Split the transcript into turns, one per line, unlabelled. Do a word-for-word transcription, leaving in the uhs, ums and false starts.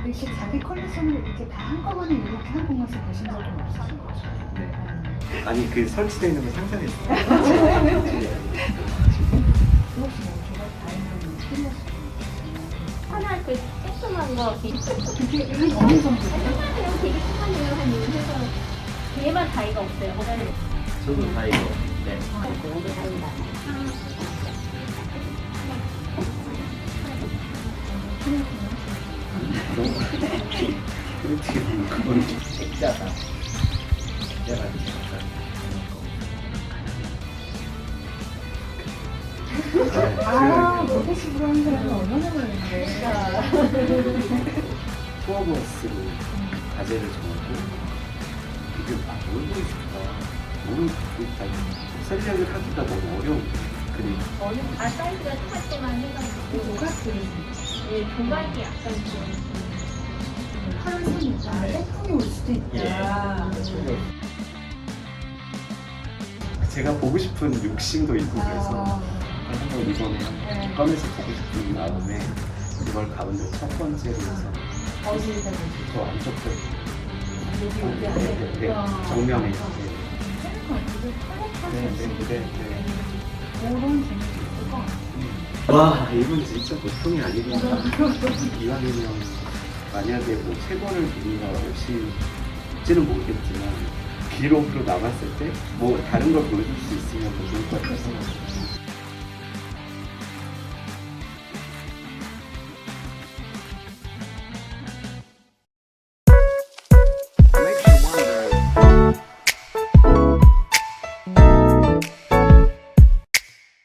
이렇게 자기 컬렉션을 이렇게 다 한꺼번에 이렇게 한 곳에서 보신 적은 없으신 거죠?
네. 아니 그 설치되어 있는 걸 상상했어요.
혹시 뭐 제가 다양한 필요하신
하나 그 조그만 거
그게 어느 정도 돼요?
그냥 되게 조그만해요. 한 요새서 걔만 다이가 없어요.
저도 다 이거. 네.
여기 다이가.
너무 그렇게 보면 그건 좀 액자다. 액자가 있어서.
아, 로봇식으로 하는 사람은 얼마나 많은데.
투어버스로 과제를 정하고 이게 아, 뭘 보여줄까? 너무 다 설명을 하기가 너무 어려운 그림.
어느 다 사이즈가 똑같을 때만 해가지고
조각들이
예, 조각이 약간 좀
파란색이니까 태풍이 올 수도 있다.
제가 보고 싶은 욕심도 있고 그래서
아,
한번 이번에
네.
꺼내서 보고 싶은 마음에 이걸 가운데 첫 번째로 해서
어디다
저 안쪽 편
여기 여기
네,
안에
네, 정면에 이제
괜찮을 것 같은데 컬렉할
네,
수
네,
있을
네, 네.
그런 재미도 있을 것 같아요.
와 이건 진짜 보통이 아니구나. 이왕이면 만약에 뭐 세 권을 누군가 오실지는 모르겠지만 기록으로 남았을 때 뭐 다른 걸 보여줄 수 있으면 더 좋을 것 같아서